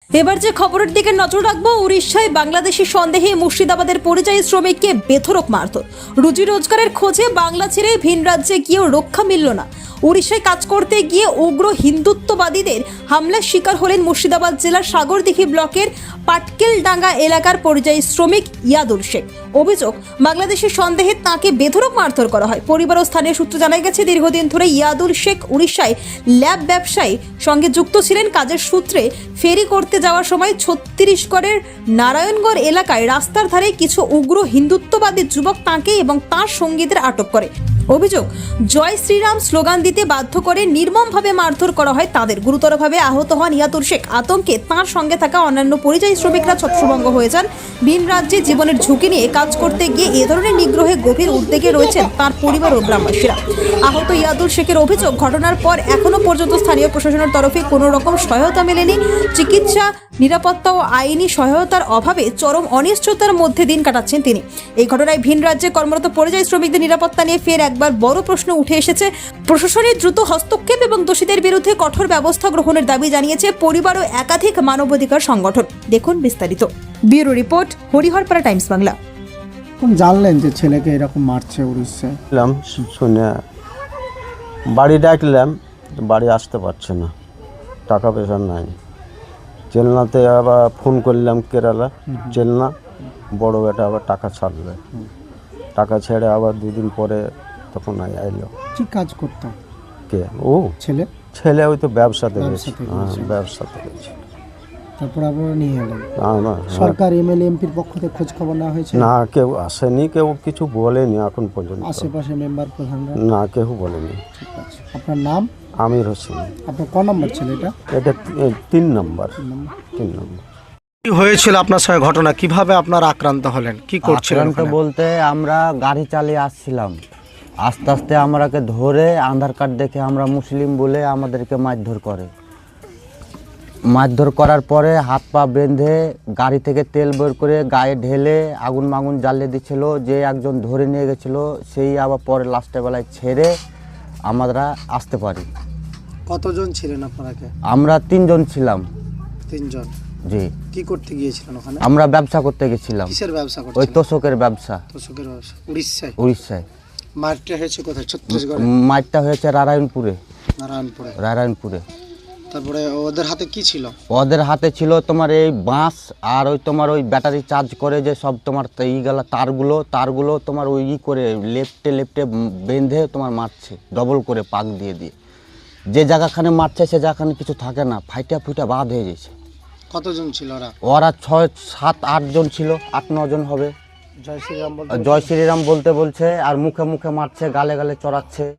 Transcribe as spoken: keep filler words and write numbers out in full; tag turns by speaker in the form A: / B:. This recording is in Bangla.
A: এবার যে খবরের দিকে নজর রাখবো, উড়িষ্যায় বাংলাদেশি সন্দেহে মুর্শিদাবাদের পরিযায়ী শ্রমিককে বেধড়ক মারধর। রুজি রোজগারের খোঁজে বাংলা ছেড়ে ভিন রাজ্যে গিয়েও রক্ষা মিলল না। উড়িষ্যায় কাজ করতে গিয়ে উগ্র হিন্দুত্ববাদীদের হামলার শিকার হলেন মুর্শিদাবাদ জেলার সাগরদিঘি ব্লকের পাটকেলডাঙ্গা এলাকার পরিযায়ী শ্রমিক ইয়াদুল শেখ। অভিযোগ, বাংলাদেশি সন্দেহে তাঁকে বেধড়ক মারধর করা হয়। পরিবার ও স্থানীয় সূত্র জানা গেছে, দীর্ঘদিন ধরে ইয়াদুল শেখ উড়িষ্যায় ল্যাব ব্যবসায়ী সঙ্গে যুক্ত ছিলেন। কাজের সূত্রে ফেরি করতে যাওয়ার সময় ছত্তিশগড়ের নারায়ণগড় এলাকায় রাস্তার ধারে কিছু উগ্র হিন্দুত্ববাদী যুবক তাঁকে এবং তাঁর সঙ্গীদের আটক করে। অভিযোগ, জয় শ্রীরাম স্লোগান দিতে বাধ্য করে নির্মমভাবে মারধর করা হয় তাদের। গুরুতরভাবে আহত হন ইয়াদুল শেখ। আতঙ্কে তাঁর সঙ্গে থাকা অন্যান্য পরিযায়ী শ্রমিকরা ছত্রভঙ্গ হয়ে যান। ভিন রাজ্যে জীবনের ঝুঁকি নিয়ে কাজ করতে গিয়ে এ ধরনের নিগ্রহে গভীর উদ্বেগে রয়েছেন তাঁর পরিবার ও গ্রামবাসীরা। আহত ইয়াদুল শেখের অভিযোগ, ঘটনার পর এখনো পর্যন্ত স্থানীয় প্রশাসনের তরফে কোনো রকম সহায়তা মেলেনি। চিকিৎসা, নিরাপত্তা ও আইনি সহায়তার অভাবে চরম অনিশ্চয়তার মধ্যে দিন কাটাচ্ছেন তিনি। এই ঘটনায় ভিন রাজ্যে কর্মরত পরিযায়ী শ্রমিকদের নিরাপত্তা নিয়ে ফের একবার বড় প্রশ্ন উঠে এসেছে। প্রশাসনের দ্রুত হস্তক্ষেপ এবং দোষীদের বিরুদ্ধে কঠোর ব্যবস্থা গ্রহণের দাবি জানিয়েছে পরিবার ও একাধিক মানবাধিকার সংগঠন। দেখুন বিস্তারিত। Bureau report, Hariharpara Times Bangla.
B: কোন জানলেন যে ছেলেকে এরকম মারছে উড়িষ্যায়?
C: শুনে বাড়ি ডাকলাম, বাড়ি আসতে পারছে না, টাকা পয়সা নাই। চেলনাতে আবার ফোন করলাম, কেরালা চেলনা, বড় বেটা আবার টাকা ছাড়বে। টাকা ছেড়ে আবার দুদিন পরে তখন আইলো।
B: কি কাজ করতাম?
C: কে? ও
B: ছেলে
C: ছেলে ওই তো ব্যবসাতে গেছে।
B: ব্যবসাতে
C: হ্যাঁ,
B: গেছে।
C: ব্যবসাতে গেছে।
B: তারপর আবার নিয়ে এলেন।
C: আমার
B: সরকার এমএলএ এমপির পক্ষ থেকে খোঁজ খবর নেওয়া হয়েছে?
C: না, কেউ আসেনি, কেউ কিছু বলেনি এখন পর্যন্ত।
B: আশেপাশে মেম্বার প্রধানরা?
C: না, কেউ বলেনি।
B: ঠিক আছে। আপনার নাম?
C: আমির হোসেন।
B: আপনার ক নম্বর ছেলে এটা?
C: এটা তি- তিন নম্বর তিন নম্বর
B: কি হয়েছিল আপনার সঙ্গে ঘটনা? কিভাবে আপনারা আক্রান্ত হলেন? কি করছিলেন
D: আক্রান্ত
B: ওখানে?
D: বলতে আমরা গাড়ি চালিয়ে আসছিলাম, আস্তে আস্তে আমরাকে ধরে আধার কার্ড দেখে আমরা মুসলিম বলে আমাদেরকে মারধর করে। মারধর করার পরে হাত পা বেঁধে গাড়ি থেকে তেল বের করে গায়ে ঢেলে আগুন মাগুন জ্বালিয়ে দিচ্ছিল। যে একজন ধরে নিয়ে গেছিলো সেই আবার পরে লাস্টের বেলায় ছেড়ে আমরা আসতে পারি।
B: কতজন ছিলেন আপনারাকে?
D: আমরা তিনজন ছিলাম।
B: তিনজন।
D: জি,
B: কি করতে গিয়েছিলেন ওখানে?
D: আমরা ব্যবসা করতে গেছিলাম।
B: কিসের ব্যবসা
D: ওই
B: করতেন?
D: তোষকের ব্যবসা।
B: তোষকের ব্যবসা। উড়িষ্যায়?
D: উড়িষ্যায়।
B: মারটা হয়েছে কোথায়? ছত্তিশগড়ে?
D: মারটা হয়েছে নারায়ণপুরে।
B: নারায়ণপুরে।
D: নারায়ণপুরে।
B: তারপরে ওদের হাতে কি ছিল?
D: ওদের হাতে ছিল তোমার এই বাঁশ আর ওই তোমার ওই ব্যাটারি চার্জ করে যে সব তোমার এইগুলা তারগুলো তারগুলো তোমার ওই ই করে লেফটে লেফটে বেঁধে তোমার মারছে, ডবল করে পাক দিয়ে দিয়ে। যে জায়গাখানে মারছে সে জায়গাখানে কিছু থাকে না, ফাইটা ফুইটা বাদ হয়ে গেছে।
B: কতজন ছিল ওরা?
D: ওরা ছয় সাত আট জন ছিল, আট নজন হবে।
B: জয় শ্রীরাম বলতে?
D: জয় শ্রীরাম বলতে বলছে আর মুখে মুখে মারছে, গালে গালে চড়াচ্ছে।